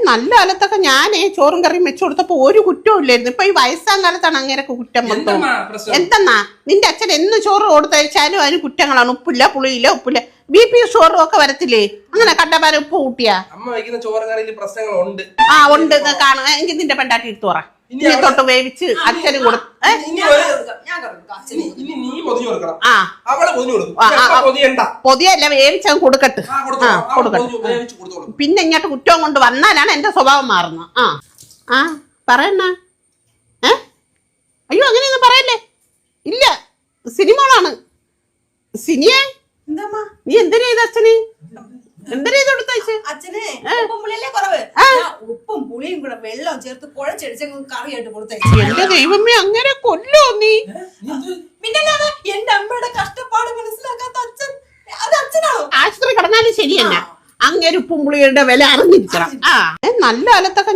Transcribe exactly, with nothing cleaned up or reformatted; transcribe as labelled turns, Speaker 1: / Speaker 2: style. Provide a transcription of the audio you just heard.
Speaker 1: നല്ല കാലത്തൊക്കെ ഞാനേ ചോറും കറിയും വെച്ചു കൊടുത്തപ്പോ ഒരു കുറ്റവും ഇല്ലായിരുന്നു. ഇപ്പൊ ഈ വയസ്സാം കാലത്താണ് അങ്ങനെയൊക്കെ കുറ്റം മൊത്തം. എന്തെന്നാ നിന്റെ അച്ഛൻ എന്ന് ചോറ് കൊടുത്തയച്ചാലും അതിന് കുറ്റങ്ങളാണ്. ഉപ്പില്ല, പുളിയില്ല, ഉപ്പില്ല, ബി പി ഷുഗറും ഒക്കെ വരത്തില്ലേ അങ്ങനെ കണ്ടപ്പാരം ഉപ്പ് കൂട്ടിയാ?
Speaker 2: അമ്മ വയ്ക്കുന്ന ചോറ് കറിയിൽ പ്രശ്നങ്ങളുണ്ട്.
Speaker 1: ആ ഉണ്ട് കാണുക. എങ്കിൽ നിന്റെ പെണ്ടാട്ടി എടുത്തു പറ. ഇനി തൊട്ട് വേവിച്ച് അച്ഛന് കൊടുത്തു. പൊതിയല്ല വേവിച്ച് കൊടുക്കട്ട്. ആ കൊടുക്കട്ടെ. പിന്നെ ഇങ്ങോട്ട് കുറ്റവും കൊണ്ട് വന്നാലാണ് എന്റെ സ്വഭാവം മാറുന്നത്. ആ ആ പറയണ്ണ. ഏ അയ്യോ അങ്ങനെയൊന്നും പറയല്ലേ. ഇല്ല സിനിമകളാണ്. സിനിയെ നീ എന്തിനാ ഇത് അച്ഛന് എന്തിനാ ഇത് കൊടുത്തയച്ച്?
Speaker 3: ഉപ്പും പുളിയും കൂടെ വെള്ളം ചേർത്ത് കുഴച്ചടിച്ച കറിയായിട്ട് കൊടുത്തയച്ചു.
Speaker 1: എന്റെ ദൈവമേ അങ്ങനെ കൊല്ലോ നീ?
Speaker 3: എന്റെ അമ്മയുടെ കഷ്ടപ്പാട് മനസ്സിലാക്കാത്ത അച്ഛൻ അത് അച്ഛനാണോ?
Speaker 1: ആശുപത്രി കിടന്നാലും ശരി തന്നെ അങ്ങനെ ഉപ്പും പുളിയുടെ വില അറിഞ്ഞിരിക്കണം. ആ നല്ല കാലത്തൊക്കെ